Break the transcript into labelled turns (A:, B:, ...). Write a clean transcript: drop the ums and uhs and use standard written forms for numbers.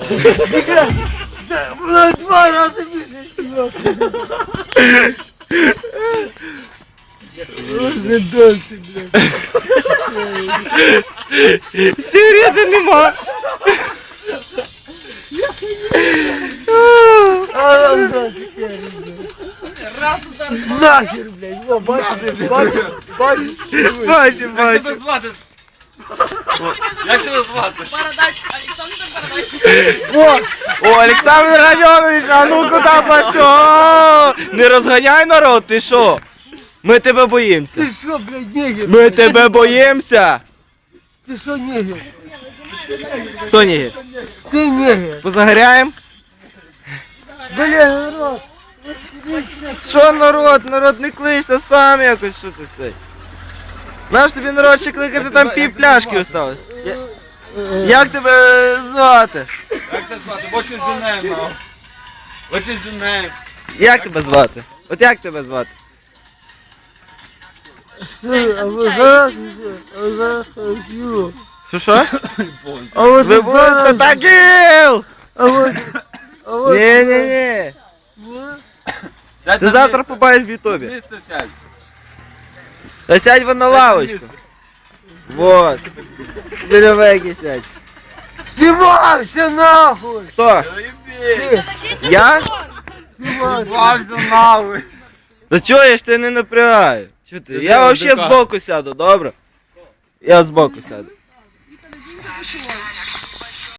A: Вона 2 рази більше співав. Вже досі, блядь.
B: Сигарети нема.
A: А нам дати сигарети, блядь.
C: Раз удар.
A: Нахер, блядь. Во, бачиш, бачиш, бачиш.
B: Бачу, бачу.
D: звати? Як тебе звати?
C: Бородач, Олександр Бородач.
A: Во,
B: О, Олександр Радьонович, а ну куди пішов? Не розганяй народ, ти що? Ми тебе боїмося.
A: ти що, блядь, негер?
B: Ми тебе боїмося.
A: Ти що, негер?
B: Хто ні?
A: Ти негер.
B: Позагоряємо?
A: Бля, народ.
B: Що народ? Народ не кличте сам якось, що ти цей? Наш тобі народ ще кликати, там пів пляшки осталось. Як тебе звати?
D: Як тебе звати? What's your name now? What's your name?
B: Як тебе звати? От як тебе звати?
A: А ви зараз, а ви зараз ходю.
B: Що?
A: А от
B: Ви будете таким!
A: а от,
B: Ні-ні-ні. Ти завтра побачиш в ютубі.
D: Місце сядь.
B: Та сядь вон на лавочку. Вот. Біля веки сядь.
A: Знімався нахуй!
B: Хто?
D: Заєбі.
B: Я?
A: Знімався.
D: Бався нахуй.
B: Та чого я ж тебе не напрягаю? Що ти? Я вообще збоку сяду, добре? Я збоку сяду.